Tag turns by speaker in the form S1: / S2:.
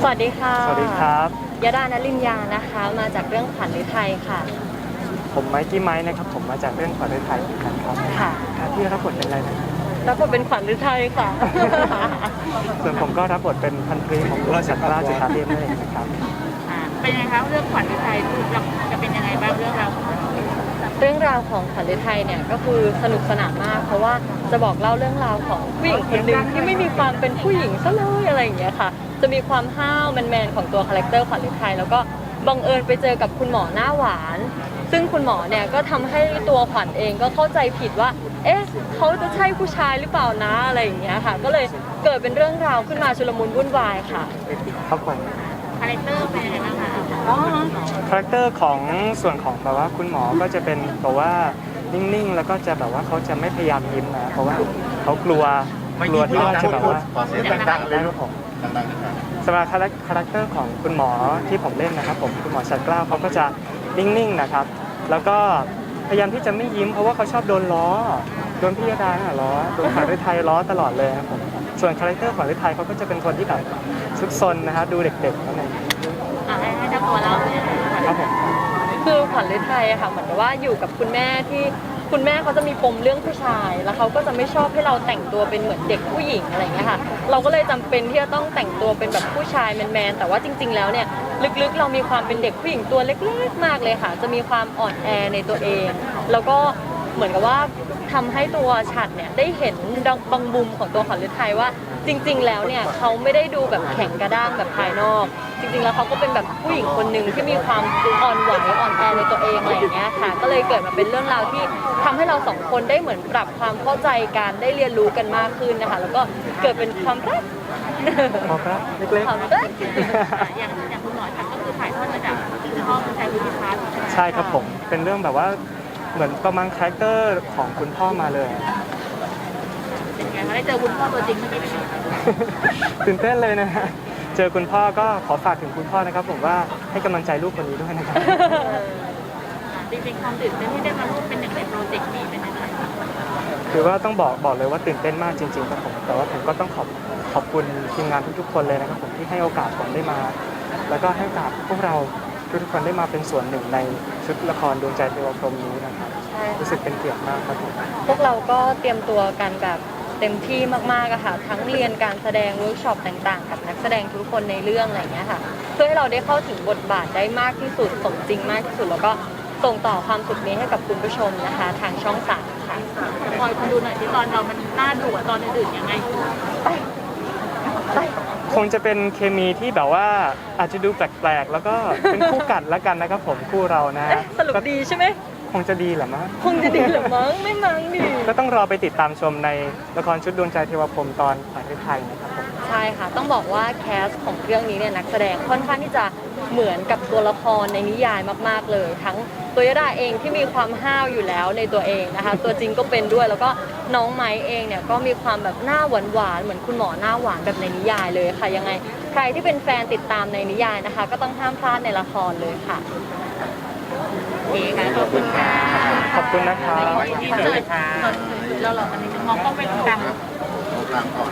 S1: สวัสดีค่ะ
S2: สวัสดีครับ
S1: ยดานลินยานะคะมาจากเรื่องขวัญฤทัยค่ะ
S2: ผมไมค์กี้ไม้นะครับผมมาจากเรื่องขวัญฤทัยเหมือนกันครับ
S1: ค่ะ
S2: ที่รับบทเป็นอะไรนะครับ
S1: แล้วก็เป็นขวัญฤทัยค่ะ
S2: ส่วนผมก็รับบทเป็นพันตรีของราชสัตราจุฬาเทพนั่นเองนะครับ
S3: เป็นยังไงคะเรื่องขวัญฤทัยจะเป็นยังไงบ้างเรื่องราวของเรา
S1: เรื่องราวของขวัญฤทัยเนี่ยก็คือสนุกสนานมากเพราะว่าจะบอกเล่าเรื่องราวของผู้หญิงคนหนึ่งที่ไม่มีความเป็นผู้หญิงซะเลยอะไรอย่างเงี้ยค่ะจะมีความห้าวแมนๆของตัวคาแรคเตอร์ขวัญฤทัยแล้วก็บังเอิญไปเจอกับคุณหมอหน้าหวานซึ่งคุณหมอเนี่ยก็ทำให้ตัวขวัญเองก็เข้าใจผิดว่าเอ๊ะเขาจะใช่ผู้ชายหรือเปล่านะอะไรอย่างเงี้ยค่ะก็เลยเกิดเป็นเรื่องราวขึ้นมาชุลมุนวุ่นวายค่ะ
S2: ครับผม
S3: คาแรคเตอร์เป็นยังไงบ้างคะ
S2: คาแรคเตอร์ของส่วนของแบบว่าคุณหมอก็จะเป็นแบบว่านิ่งๆแล้วก็จะแบบว่าเขาจะไม่พยายามยิ้มนะเพราะว่าเขากลัวที่ว่าจะแบบว่า
S4: ขอเสียงดังๆเลยครับผมดังๆนะครับ
S2: สำหรับคาแรคเตอร์ของคุณหมอที่ผมเล่นนะครับผมคุณหมอชัดเกล้าเขาก็จะนิ่งๆนะครับแล้วก็พยายามที่จะไม่ยิ้มเพราะว่าเขาชอบโดนล้อโดนพี่ยดาล้อโดนขวัญฤทัยล้อตลอดเลยครับผมส่วนคาแรคเตอร์ขวัญฤทัยเขาก็จะเป็นคนที่แบบซุกซนนะครับดูเด็กๆนั่นเอง
S3: ให้เจ้าตัวเราเนี่ย
S2: ครับผม
S1: คือขวัญฤทัยอะค่ะเหมือนกับว่าอยู่กับคุณแม่ที่คุณแม่เขาจะมีปมเรื่องผู้ชายแล้วเขาก็จะไม่ชอบให้เราแต่งตัวเป็นเหมือนเด็กผู้หญิงอะไรอย่างเงี้ยค่ะเราก็เลยจำเป็นที่จะต้องแต่งตัวเป็นแบบผู้ชายแมนๆแต่ว่าจริงๆแล้วเนี่ยลึกๆเรามีความเป็นเด็กผู้หญิงตัวเล็กๆมากเลยค่ะจะมีความอ่อนแอในตัวเองแล้วก็เหมือนกับว่าทำให้ตัวฉัดเนี่ยได้เห็นบางมุมของตัวขวัญฤทัยว่าจริงๆแล้วเนี่ยเขาไม่ได้ดูแบบแข็งกระด้างแบบภายนอกจริงๆแล้วเขาก็เป็นแบบผู้หญิงคนหนึ่งที่มีความอ่อนไหวอ่อนแอในตัวเองอะไรอย่างเงี้ยค่ะก็เลยเกิดมาเป็นเรื่องราวที่ทำให้เราสองคนได้เหมือนปรับความเข้าใจกันได้เรียนรู้กันมากขึ้นนะคะแล้วก็เกิดเป็นความรัก
S2: เล็ก
S1: ความรัก
S3: อย่างคุณหมอชัดก็คือถ่ายทอดมาจากพ่อคุณชายวุฒิพัฒน์
S2: ใช่ครับผมเป็นเรื่องแบบว่าเหมือนประมาณคาแรคเตอร์ของคุณพ่อมาเลย
S3: เป็นไงคะได้เจอคุณพ่อตัวจริงเมื่อกี้เป็นไง
S2: ตื่นเต้นเลยนะฮะเจอคุณพ่อก็ขอฝากถึงคุณพ่อนะครับผมว่าให้กำลังใจลูกคนนี้ด้วยนะครับ
S3: จริงๆความตื่นเต้นที่ได้มาร่วมเป็นหนึ่งในโปรเจกต์นี้เป็นยังไง
S2: คือว่าต้องบอกเลยว่าตื่นเต้นมากจริงๆครับผมแต่ว่าผมก็ต้องขอบคุณทีมงานทุกๆคนเลยนะครับผมที่ให้โอกาสผมได้มาแล้วก็ให้โอกาสพวกเราทุกคนได้มาเป็นส่วนหนึ่งในชุดละครดวงใจเทวพรหมนี้นะครับรู้สึกเป็นเกียรติมากครับผม
S1: พวกเราก็เตรียมตัวกันแบบเต็มที่มากๆอะค่ะทั้งเรียนการแสดงเวิร์กช็อปต่างๆกับนักแสดงทุกคนในเรื่องอะไรอย่างเงี้ยค่ะเพื่อให้เราได้เข้าถึงบทบาทได้มากที่สุดสมจริงมากที่สุดแล้วก็ส่งต่อความสุขนี้ให้กับคุณผู้ชมนะคะทางช่อง3ค่ะ
S3: คอยคุณดูหน่อยที่ตอนเรามันน่าดูกว่าตอนอื่นๆยังไง
S2: คงจะเป็นเคมีที่แบบว่าอาจจะดูแปลกๆแล้วก็เป็นคู่กัดแล้วกันนะครับผมคู่เรานะ
S1: สรุปดีใช่ไหม
S2: คงจะดีเหรอมั้ง
S1: คงจะดีเหรอมั้งไม่มั้งดิ
S2: ก็ต้องรอไปติดตามชมในละครชุดดวงใจเทวพรหมตอนขวัญฤทัยนะครับผม
S1: ใช่ค่ะต้องบอกว่าแคสของเรื่องนี้เนี่ยนักแสดงค่อนข้างที่จะเหมือนกับตัวละครในนิยายมากๆเลยทั้งตัวยดาเองที่มีความห้าวอยู่แล้วในตัวเองนะคะตัวจริงก็เป็นด้วยแล้วก็น้องไม้เองเนี่ยก็มีความแบบหน้าหวานๆเหมือนคุณหมอหน้าหวานแบบในนิยายเลยค่ะยังไงใครที่เป็นแฟนติดตามในนิยายนะคะก็ต้องห้ามพลาดในละครเลยค่ะ
S3: โอเคค่ะขอบคุณค่ะ
S2: ขอบคุณนะครับ
S3: ที่เจอค่ะเราอันนี้มองกล้องไปตาม
S4: ตามก่อน